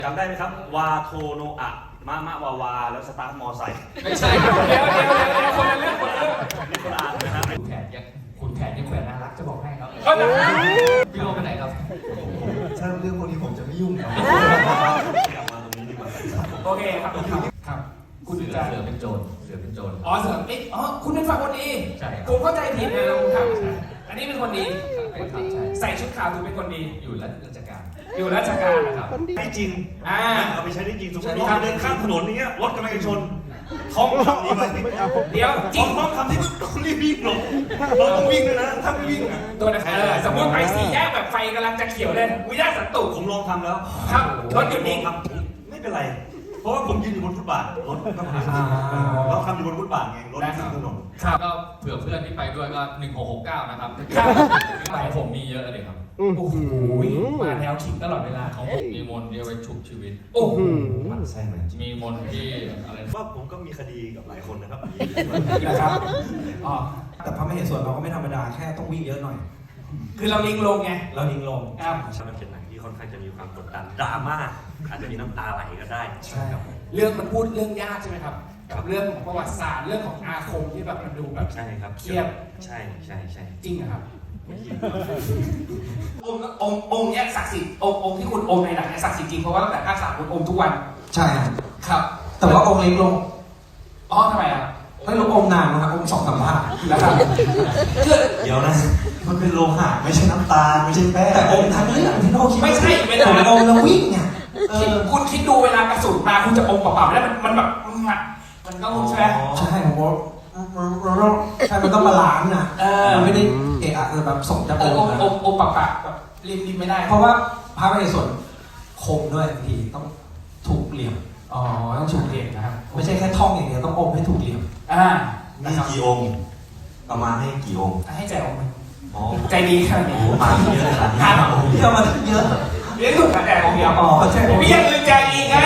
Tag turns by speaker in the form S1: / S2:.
S1: จำได้ไหมครับวาโทโนอะมะมะวาวาแล้วสตาร์ทมอไซค์
S2: ไม่ใช่ครับเดี๋ยวคนละเรื่องคนละเรื่อง
S1: นี่คนละอันนะครับ
S2: คุณแขกยังแขวนน่ารักจะบอกให้ครับพี่โลไปไหนครับ
S3: ถ้าเรื่องพวกนี้ผมจะไม่ยุ่งครับ
S1: กลับมาตรงนี้ดีกว่า
S2: โอเคครับครับคุณจะ
S4: เสือเป็นโจร
S2: อ๋อเสืออ๋อคุณเป็นฝั่งคนดี
S4: ใช่ครับ
S2: ผมเข้าใจผิดนะครับอันนี้เป็นคนดี
S4: เป็นครับใช่
S2: ใส่ชุดขาวถือเป็นคนดี
S4: อยู่ราชการ
S2: อยู่ราชการนะครับ
S1: ได้จริง เอาไปใช้ได้จริงสมมติเราเดินข้ามถนนอย่างเงี้ยรถกำลังจะชนท้องคำนี้ไป
S2: เดี๋ยวจ
S1: ท้
S2: ริ
S1: อง งคำที่ต้องรีบวิ่งหลบเราต้องวิ่งด้วยนะถ้าไม่วิ่ง
S2: ตัวนะสมมติไปสี่แยกแบบไฟกำลังจะเขียวเลยวิญญาณสันตุ
S1: ผมลองทำแล้ว
S2: ครับรถหยุดนิ่ง
S1: ครับไม่เป็นไร เพราะว่าผมยืนอยู่บนฟุตบาทรถก็ผ่านเราทำอยู่บนฟุตบาทไงรถข้ามถนน
S2: ครับ
S4: ก็เผื่อเพื่อนที่ไปด้วยก็1669นะครับ
S2: ครับ
S4: ของผมมีเยอะเลยครับ
S2: โอ้โหมาแนวขิงตลอดเวลา
S4: ของผมมีมนต์ที่เอาไว้ชุบชีวิต
S2: โอ้โห
S1: มันใช่ไหม
S4: มีมนต์ที่อะไร
S1: ว่าผมก็มีคดีกับหลายคนนะครับ
S2: นะครับอ๋อ
S3: แต่พระมเหสวนเราก็ไม่ธรรมดาแค่ต้องวิ่งเยอะหน่อย
S2: คือเราลิงลงไง
S3: เรายิงลง
S2: ครับ
S1: มันเป็นหนังที่ค่อนข้างจะมีความกดดันดราม่าอาจจะมีน้ำตาไหลก็ได้
S3: ใช่ครับ
S2: เรื่องมันพูดเรื่องยากใช่ไหมครับกับเรื่องของประวัติศาสตร์เรื่องของอาคมที่แบบมันดูแบบ
S1: ใช่ครับ
S2: เครียด
S1: ใช่ใช่ใช่
S2: จริงเหรอครับองค์เนี้ยศักดิ์สิทธิ์องค์ที่คุณอมในหนังเนี่ยศักดิ์สิทธิ์จริงเพราะว่าตั้งแต่ภาค3คุณอมทุกวัน
S3: ใช่ครับ
S2: ครับ
S3: แต่ว่าองค์เล็กลง
S2: อ๋อทำไมอ่ะ
S3: ไม่ลงองค์นานนะครับองค์2-3 ภาค
S2: แล้วครับคือ
S3: เดี๋ยวนะ มันเป็นโลหะไม่ใช่น้ำตาลไม่ใช่แป้งแต่องค์ทั้งเรื่องที่โน้คิด
S2: ไม่ใช่เวลา
S3: องค์แล้ววิ่งเนี่ย
S2: คุณคิดดูเวลากระสุนมาคุณจะอมเปล่าๆแล้วมันแบบมันก็ใช่ไหม
S3: ใช่ผมว่าใช่มันต้องบาลานซ์นะมันไม่ได้เอะอะแบบส่งจะ
S2: อ
S3: อง
S2: ม
S3: ค์นะ
S2: อมปากแบบริมไม่ได้
S3: เพราะว่าพระมเหสวนคมด้วยบางทีต้องถูกเหลี่ยม
S2: อ๋อต้องชูเด็กนะครับ
S3: ไม่ใช่แค่ท่องอย่างเดียวต้องอมให้ถูกเหลี่ยม
S1: มีกี่องค์เอามาให้กี่องค์
S2: ให้ใจองค์
S1: อ๋อ
S2: ใจดีขนาดนี้
S1: โอ้มาเยอะเลยนะ
S3: เยอะมาเยอะ
S2: เรียกถูกแต่องค์เดียว
S3: อ๋อใช่
S2: พี่ยังลืมใจดีไง